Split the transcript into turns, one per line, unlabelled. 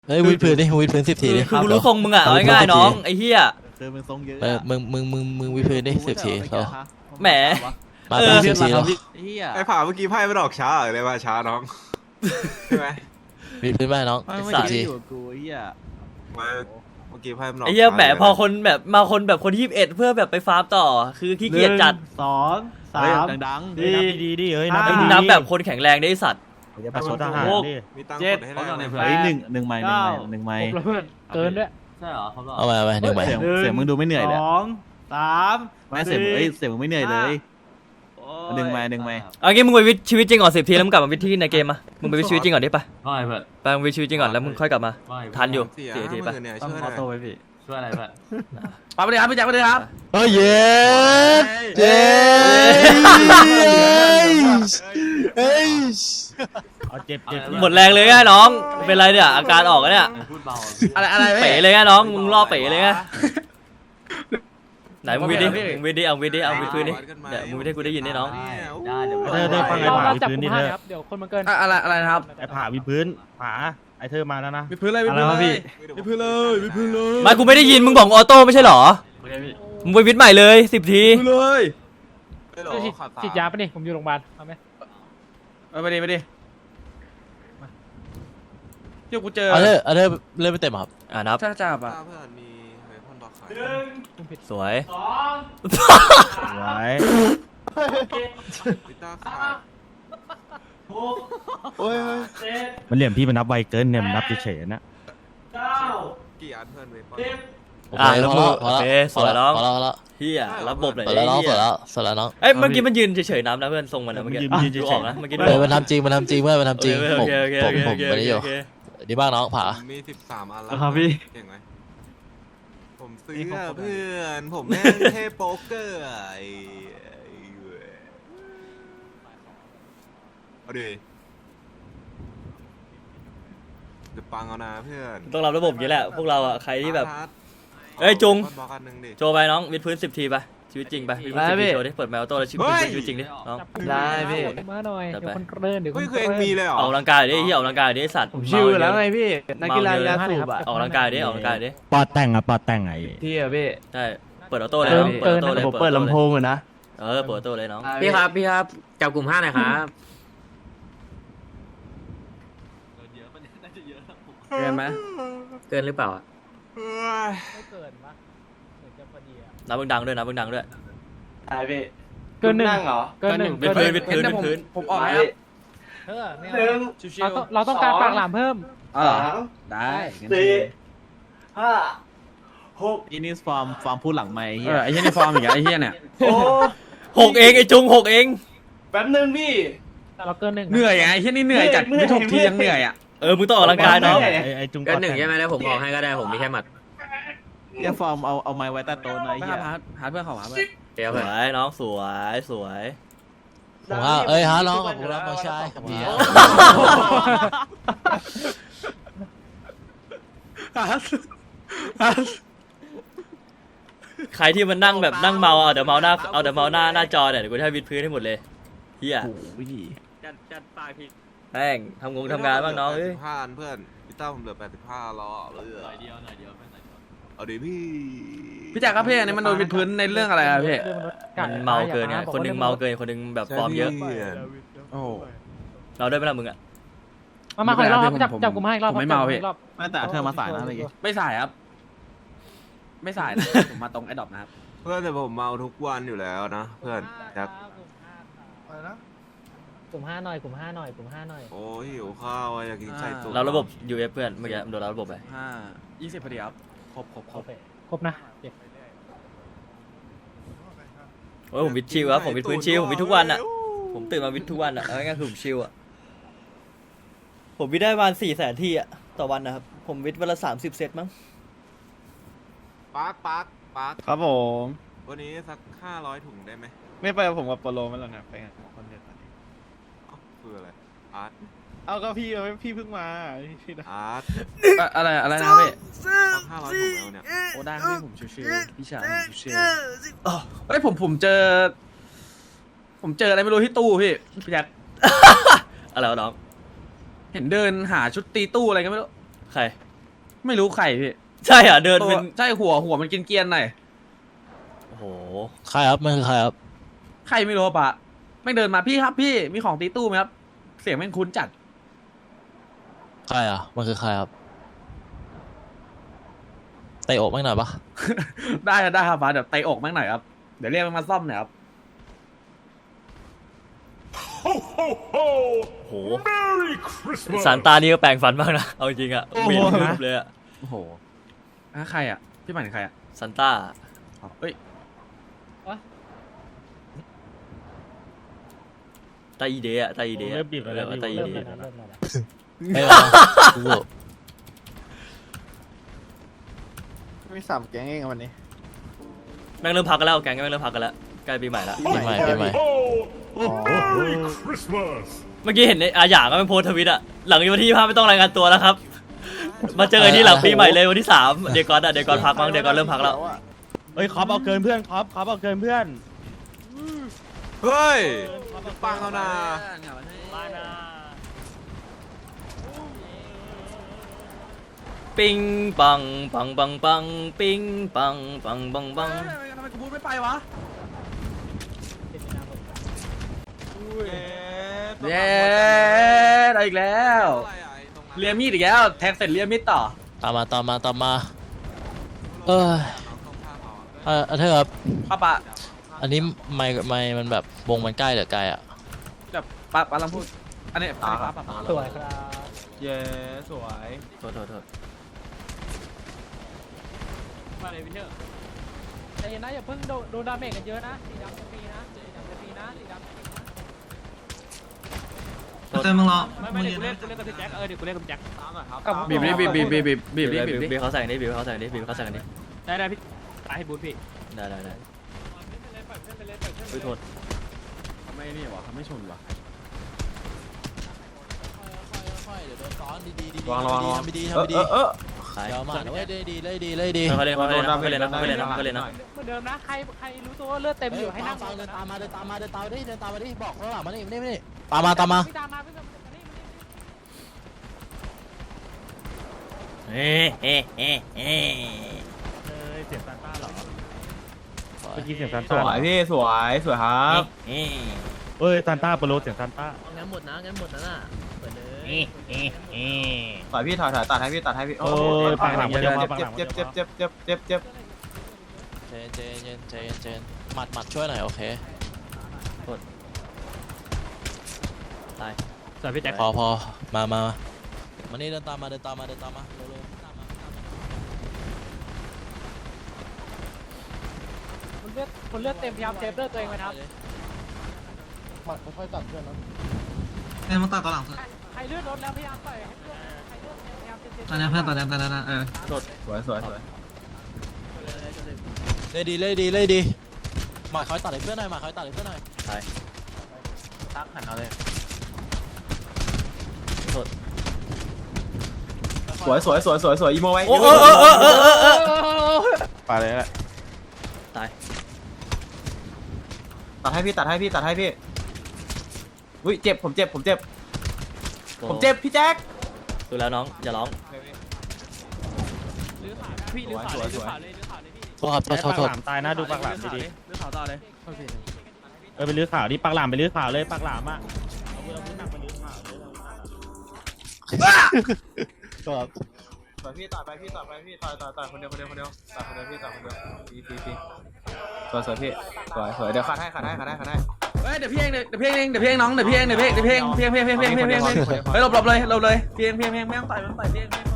เฮ้ยวิดพื้นดิวิดพื้น10 ทีดิ
คือกูรู้ทรงมึงอ่ะเอาง่ายๆน้องไอ้เหี้ย
คือมึงทรงเยอะ
มึงวิดพื้นดิ10 ทีเรา
แหม
มาเป็น10 ทีเรา
เฮีย
ไอ้ผ่าเมื่อกี้ไพ่ไม่ออกช้าเลยว่าช้าน้องใช่ไหม
วิดพื้นไปน้อง
ไม่
10 ที
อยู่กับกูเฮีย
มาเมื่อกี้ไพ่มันออก
ไอ้เหี้ย
ช้า
แหมพอคนแบบมาคนแบบคน21เพื่อแบบไปฟาร์มต่อคือขี้เกียจจัด
2 3
ดัง
ดี
ดีเฮ้ย
ไอ้มึงนับแบบคนแข็งแรงได้ไอ้สัตว์
ประสบทหารดิ
มีตังค์
เจ็
ก
ด
ดให้ได้ไหม
เฮ้ยหนึ่งไม้
เพื่อนเกินด้วย
ใช่เหรอครับ
เอาไป1 ใบ
เสียงมึงดูไม่เหนื่อยเลย
2 3
ไม่เสียงเสียงมึงไม่เหนื่อยเลยหนึ่งไม้
เอางี้มึงไปวิทชีวิตจริงก่อน10 ทีแล้วมึงกลับมาวิทที่ในเกมมามึงไปวิทชีวิตจริงก่อนดิไป
ว่าไงเพื่อน
ไปมึงวิทชีวิตจริงก่อนแล้วมึงค่อยกลับมาทันอยู่ 4 ทีไป
เนี่ย
ต้อง
ช่วย
ข
ห
อ
น่อย
โต้ไว้พี่
ช่วยอะไรเพื่อน
ปาไปเลยครับพี่แจ็คไปเลยครับ
เฮ้ยเย้เย้เฮ้ย
เอาเจ็บ
หมดแรงเลยไงน้องเป็นไรเนี่ยอาการออกแล้วเนี่ย
พูดเบา
อะไร
เป๋เลยไงน้องมึงล่อเป๋เลยไงไหนมึงวิทดิมึงวิทดิเอาวิทดิเอาวิทพื้นดิเดี๋ยวมึงวิทให้กูได้ยินดิน้อง
ได้เดี๋ยว
เธอฟังไอ้ผ่า
เรา
วิ
จับ
พื้น
กุ
นี่
ม
เธ
ห้า
อ
ครับเดี๋ยวคนมันเกิน
อะไรนะครับ
ไอ้ผ่าวิพื้นผาไอ้เธอมาแล้วนะ
วิพื้นเลยวิพื้นเลยพี่
วิพื้นเลยวิพื้นเลย
ไม่กูไม่ได้ยินมึงบอกออโต้ไม่ใช่เหรอมึงไปวิทใหม่เลย10 ที
เลย
ฉีดยาปะนี่ผมอยู่โรงพยาบาลเอาไหม
ไปดิเดี๋ยวกูเจอ
เอาเริ่มไปเต็มครับ
นับ
ถ้าจับอ่ะ
เพื่อนมีเวพอนบล็อกขาย
สวย
ไว้
วิต้าขาย
มันเหลี่ยมพี่มันนับไวเกินเนี่ยมันนับเฉยๆนะ
กี่อันเพื่อนเวพอน
แล้วมึงโอเคสวยน้อง
พอแล้ว
เฮียระบบเลย
สวยแล้วน้องสวยแล้วน้อง
เอ้ยเมื่อกี้มันยืนเฉยๆน้ำนะเพื่อนทรงมันนะเมื่อกี้ดูออกนะเมื่อกี้
มันทำจริงเว้ยมันทำจริงผมไม่ได้อยู่ดีมากน้องผา
มี13 อันแล้ว
ครับพี่
เก่งไหมผมซื้อเพื่อนผมแม่งเทพโป๊กเกอร์ไอ้เว้ยเอาดิจะปังเอานะเพื่อน
ต้องรับระบบอย่างนี้แหละพวกเราอ่ะใครที่แบบ
อาร์ต
เอ้ยจุง
บล็อกอันหนึ่งดิ
โจไปน้องวิดพื้น10 ทีไปชีวิตจริงไปวิดพื้น10 ทีโจดิเปิดแมวโต้แล้วชีวิตจริงดิน้อง
ได้พี่
มาหน่อยเดี๋ยวคนเกินเดี๋ยวค
เฮ้ย
น
คือเองมีเลยเหรอ
ออกกำลังกายดิเฮียออกกำลังกายดิไอ้สัตว์
ผมชิวแล้วไงพี่นักกีฬายาสูบอ่ะ
ออกกำลังกายดิออกกำลังกายดิ
ปอดแต่งไง
พี่อะพี่
ใช่เปิดออโต้เลยน้องเปิดออโต้เลย
ผมเปิดลำโพงอะนะ
เปิดออโต้เลยน้อง
พี่ครับจับกลุ่ม5หน่อยครับ
เกินไหม
เกินหรือเปล่าอะ
เฮ้ย
ไม่เกินปะเหมือนจะพอดีอะ
นับเบิ่งดังด้วยนับเบิ่งดังด้วย
ใช่พี่
เกินหนึ่ง
นั่งเหรอ
เกินหนึ่ง
วิดพื้น
ผมออกแล้ว
ไม่เอาเราต้องการปากหลามเพิ่ม
ได้อินิสฟอร์มพูดหลังไม่เฮียไอ้เฮียนี่ฟอร์มอีกไอ้เฮียเนี่ย
6 เองไอ้จุง6 เอง
แป๊บนึงพี่
แต่เราเกินหนึ่ง
เหนื่อยไงไอ้เฮียนี่เหนื่อยจัดไม่ถกทียังเหนื่อยอ่ะ
มึงต้องออกกำลังกายน้อง
ไอ้จุง
เกิน1ใช่ไหมแล้วผมออกให้ก็ได้ผมมีแค่หมัด
เฮียฟอร์มเอาไม้ไว้ใต้โต๊ะหน่อยเฮียหาเพื่อนเขาหาเพื่อน
เดี๋ยว
ส
เพื่อน
วยน้องสวย
ผมว่าฮะน้องขอบคุณครับน้องชายครับพี่
ใครที่มันนั่งแบบนั่งเมาเอาเดี๋ยวเมาหน้าจอเนี่ยเดี๋ยวกูจะให้วิดพื้นให้หมดเลยเฮีย
จัดปากพี่
แม่งทำงานบ้างน้องเอ้ย
85อันเพื่อนพี่ต้าผมเหลือ85แล้วอ่ะเพื่อน
หน่อยเดียว
เอาดิพี่
พี่แจ็คครับพี่อันนี้มันโดนวิดพื้นในเรื่องอะไรอะพี่
มันเมาเกินไงคนนึงเมาเกินคนนึงแบบฟอร์มเยอะ
ใช่พี่
โอ้
เราด้วยไหมล่ะมึงอ่ะ
มาขออีกรอบครับจับ
ผม
จับกลุ่มห้าอีกรอบ
ผมไม่เมาพี่
จับกลุ่ห้อีกรอบ
ไม่แต่เธอมาสายนะเมื่อกี้ไม่สายครับ ไม่สายนะ ผมมาตรงไอ้ดอกนะครับ
เพื่อนแต่ผมเมาทุกวันอยู่แล้วนะเพื่อนครับ
กลุ่มห้าหน่อยกลุ่มห้าหน่อยกลุ่มห้าหน่อย
โอ้ยหิวข้าวอะอยากกินไข่ตุ๋น
เราระบบ UF เพื่อนเมื่อกี้โดนเราระบบไป
20พอดีครับครบ
โอเคครบนะเจ็บ
โอ้ยผมวิดชิลครับผมวิดพื้นชิลผมวิดทุกวันอ่ะผมตื่นมาวิดทุกวันอ่ะเอาง่ายๆคือผมชิลอ่ะผมวิดได้ประมาณ400,000 ทีอ่ะต่อวันนะครับผมวิดวันละ30 เซตมั้ง
ปาร์ค
ครับผม
วันนี้สัก500 ถุงได้ไหม
ไม่ไปผมกับโปโลไม่หรอกนะไปกันคนเดียว
คืออะไรอาร์ต
เอาก็พี่เพิ่งมาพี่
อาร์ต
อะไรนะพี่
สัก500 ถุงแล้วเนี่ย
โอ้ได้พี่ผมชิวๆพี่ชายผมชิวๆเฮ้ยผมเจออะไรไม่รู้ที่ตู้พี่แจ็ค
อะไรวะน้อง
เห็นเดินหาชุดตีตู้อะไรกันไม่รู้
ใคร
ไม่รู้ใครพี่
ใช่อ่ะเดินเป็น
ใช่หัวมันกินเกรียนหน่อย
โอ้โห
ใครครับมันคือใครครับ
ใครไม่รู้ปะแม่งเดินมาพี่ครับพี่มีของตีตู้ไหมครับเสียงแม่งคุ้นจัด
ใครอ่ะมันคือใครครับเตะอกแม่งหน่อยปะ
ได้ครับป้าเดี๋ยวเตะอกแม่งหน่อยครับเดี๋ยวเรียกมันมาซ่อมหน่อยครับ
โอ้โหซานตานี่ก็แปลงฟันมากนะเอาจริงๆอ่ะเหม็นรูปเลยอ่ะ
โอ้โหใครอ่ะพี่หมายถึงใครอ่ะ
ซานต้า
เฮ้ย
ตาอีเดะตาอีเดะ
เริ่มบีบแล้ว
ตาอีเดะ
ไม่มากู
มี3 แก๊งเองวันนี้
แม่งเริ่มพักกันแล้วแกงแม่งเริ่มพักกันแล้วใกล้ปีใหม่แล้ว
ปีใหม่
เมื่อกี้เห็นในอาหยางก็เป็นโพสต์ทวิตอะหลังวันที่25ไม่ต้องรายงานตัวแล้วครับ มาเจอกันที่หลังปีใหม่เลยวันที่3เดี๋ยวก่อนพักมั้งเดี๋ยวก่อนเริ่มพักแล้ว
เฮ้ยคอปเอาเกินเพื่อนคอปเอาเกินเพื่อน
เฮ้ยปังเอานา
ปิงปังปังปังปังปิงปังปังปังปัง
ทำไมกูพูดไม่ไปวะเย้ได้อีกแล้วเลียมีดอีกแล้วแทงเสร็จเลียมีดต่อ
ตามมาเออเธอครับ
ป้าปะ
อันนี้ไม่มันแบบวงมันใกล้หรือไกลอ่ะ
แบบป้าลองพูดอันนี้ป้า
สวยครับ
เย้สวย
โทษ
มาเลยพี่เชอร์ใจเย็นนะอย่าเพิ่งโดนดาเมจกันเยอะนะสีดำจะฟรีนะสีดำจะฟรีนะสีดำ
เติมมึงรอ
ไม่เดี๋ยวกูเล่นกับพี่แจ็คเดี๋ยวกูเล่นกับพี่แจ็ค
บีบดิ
เขาใส่กันดิเขาใส่กันดิเขาใส่กันดิ
ได้พี่ตายให้บูทพี่
ได้โทษ
เขาไม่นี่วะเขาไม่ชนวะ
ค่อยๆเดี๋ยวโดนซ้อนดีๆ
ระวัง
ทำดีเดี๋ยวมาเว้ยได้ดี
เขาเล่นนะเหมือนเดิม
นะใครรู้ตัวว่าเลือดเต็มอยู่ให้นั่ง
ฟังเดินตามมาดิบอกข้างหลังมานี่ตามมา
พี่ตามมาพี่ตามมานี่
เฮ้ยเสียงซานต้าเหรอเมื่อกี้เสียงซาน
ส
ต้า
วยพี่สวยครับ
เอ้ยซานต้าโปรโลเสียงซานต้า
งั้นหมดนะน่ะเปิดเลย
ถอยพี่ถอยตัดให้พี่โอ้
โอ้ยปากหลังมันเยอะมากปากหลังมัน
เจ็บ
เยอะมาก
เจนหมัดช่วยหน่อยโอเค
ตาย
สวยพี่แจ็ค
พอมานี่เดินตามมาเร็วๆตามมา
คนเลือดเต็มพยายามเซฟเลือดตัวเองไว้นะครับ
ค่อยๆตัดเพื่อนนะ
มาตัดต่อหลัง
ใครเลือดลดแล้วพยายามต่อยให้เลือดใครเลือดพยายามเซฟ
ตอนนี้เพื่อนตอนนั้น
สวย
เลยดีหมาคอยตัดให้เพื่อนหน่อย
ตาย
ทักหันเอาเลย
โทษ
สวยอีโมไว้
โอ้
ไปเลยแหละ
ตาย
ตัดให้พี่อุ้ยเจ็บผมเจ็บพี่แจ็ค
ดูแล้วน้องอย่าร้อง
พี่ลื้อขาเลยลื้อขาเลยพี่
โทษครับ
ปากหลามตายนะดูปากหลามดี
เลือดขาวต่อเลย
ๆไปลื้อข่าวดิปากหลามไปลื้อข่าวเลยปากหลามอ่ะเอาเวลาพูดหนักไปลื้อข่าวเลย
ครับ
สวยพี่ต่อไปพี่ต่อคนเดียวต่อคนเดียวพี่ต่อคนเดียวพี่สวยพี่สวยเดี๋ยวขัดให้
เฮ้ยเดี๋ยวพี่เองน้องเดี๋ยวพี่เองน้องเดี๋ยวพี่เองเฮ้ยหลบเลยพี่เองไม่ต้องต่อยพี่เอง